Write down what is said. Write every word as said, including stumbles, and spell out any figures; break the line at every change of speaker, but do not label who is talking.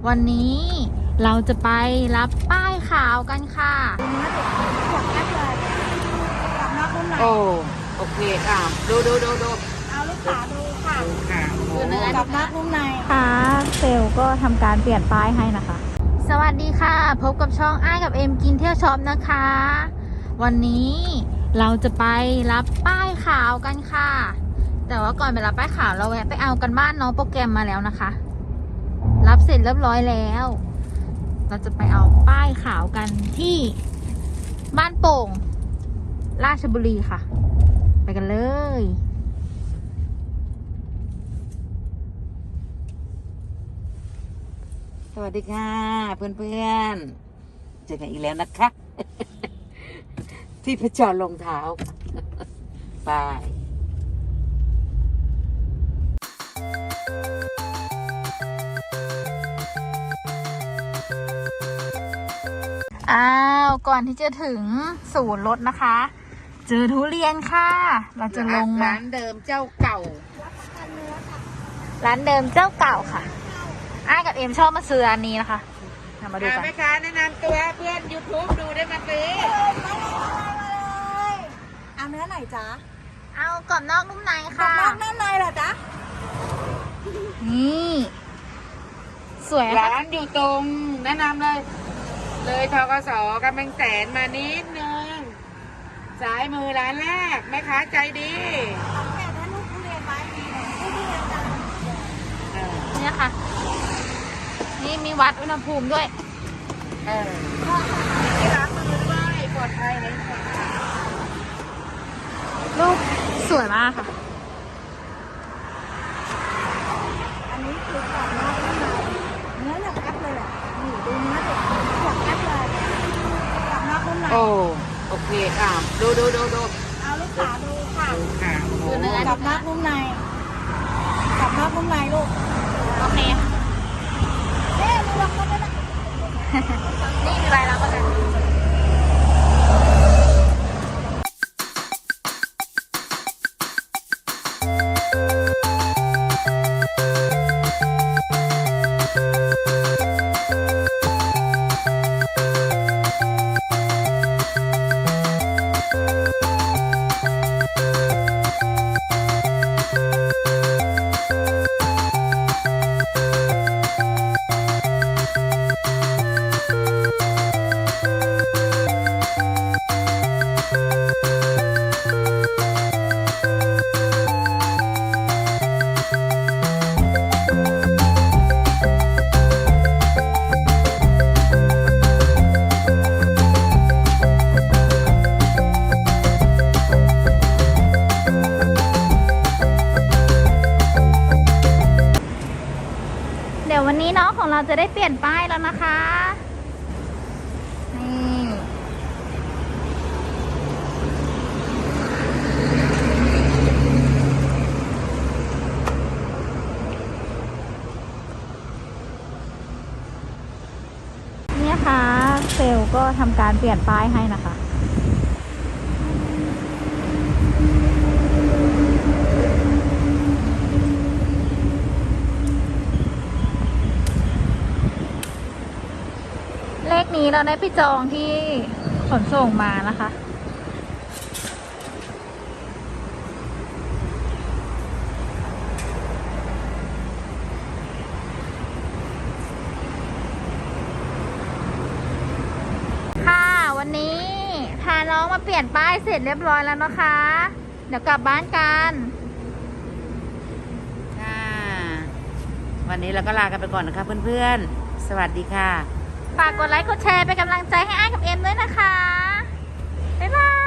วันนี้เราจะไปรับป้ายขาวกันค่ะ
โอ้โอเคค่ะดูดูดูดู
เอาลูกขาดูค่ะ
ค่ะ
ดูเนื้อ
กับนักนุ่มใน
ค่ะเซลล์ก็ทำการเปลี่ยนป้ายให้นะคะสวัสดีค่ะพบกับช่องอ้ายกับเอ็มกินเที่ยวช็อปนะคะ วันนี้เราจะไปรับป้ายขาวกันค่ะแต่ว่าก่อนไปรับป้ายขาวเราแวะไปเอากันบ้านน้องโปรแกรมมาแล้วนะคะรับเสร็จเรียบร้อยแล้วเราจะไปเอาป้ายขาวกันที่บ้านโป่งราชบุรีค่ะไปกันเลย
สวัสดีค่ะเพื่อนๆเจอกันอีกแล้วนะคะ ที่พระจรรองเท้าไป
อ้าวก่อนที่จะถึงศูนย์รถนะคะเจอทุเรียนค่ะเราจะลงมา
ร้านเดิมเจ้าเก่า
ร้านเดิมเจ้าเก่าค่ะอ้ายกับเอ็มชอบมาซื้ออันนี้นะคะมาดูกัน
แม่ค้าแนะนำตัวเพื่อน ยูทูบ ดูได้มาซื้อ
เอาเนื้อไหนจ๊ะ
เอากรอบนอกนุ่มใน
กับ
ค่ะ
นอกนุ่มในเหรอจ๊ะ
นี่สวยค่ะ
ร้านอยู่ตรงแนะนำเลย เลยทกสกำแพงแสนมานิดนึงซ้ายมือร้านแรกแม่ค้าใจดี
สังเกตได้ลูกทุเรียนไหมทุเรียนจ้ะ
เออ
เนี่ยค่ะนี่มีวัดอุณหภูมิด้วย
เออที่ล้างมือด้วยปลอดภัยเลยค่ะ
ลูกสวยมากค่ะ
อันนี้คือกรอบนอกนุ่มในเนื้ออย่างแอปเลยแหละนี่ดูเนื้อเด็กอย่างแอปเลยกรอบนอกนุ่มใน
โอ้โอเคค่ะดูดูดูดู
เอาลูกขาดูค่ะ
ค่ะโอ้โห
ดูเนื้อ
กับนอกนุ่มในกับนอกนุ่มในลูก
โอเคค่ะ
เอ๊ะดูลองกันได้ไหม
นี่มีใบรับประกัน เดี๋ยววันนี้น้องของเราจะได้เปลี่ยนป้ายแล้วนะคะ นี่เนี่ยค่ะเซลล์ก็ทำการเปลี่ยนป้ายให้นะคะ เลขนี้เราได้ไปจองที่ขนส่งมานะคะ ค่ะวันนี้พาน้องมาเปลี่ยนป้ายเสร็จเรียบร้อยแล้วนะคะ เดี๋ยวกลับบ้านกัน
ค่ะวันนี้เราก็ลากันไปก่อนนะคะเพื่อนๆสวัสดีค่ะ
ฝากกดไลค์กดแชร์เป็นกำลังใจให้อ้ายกับเอ็มด้วยนะคะ บ๊ายบาย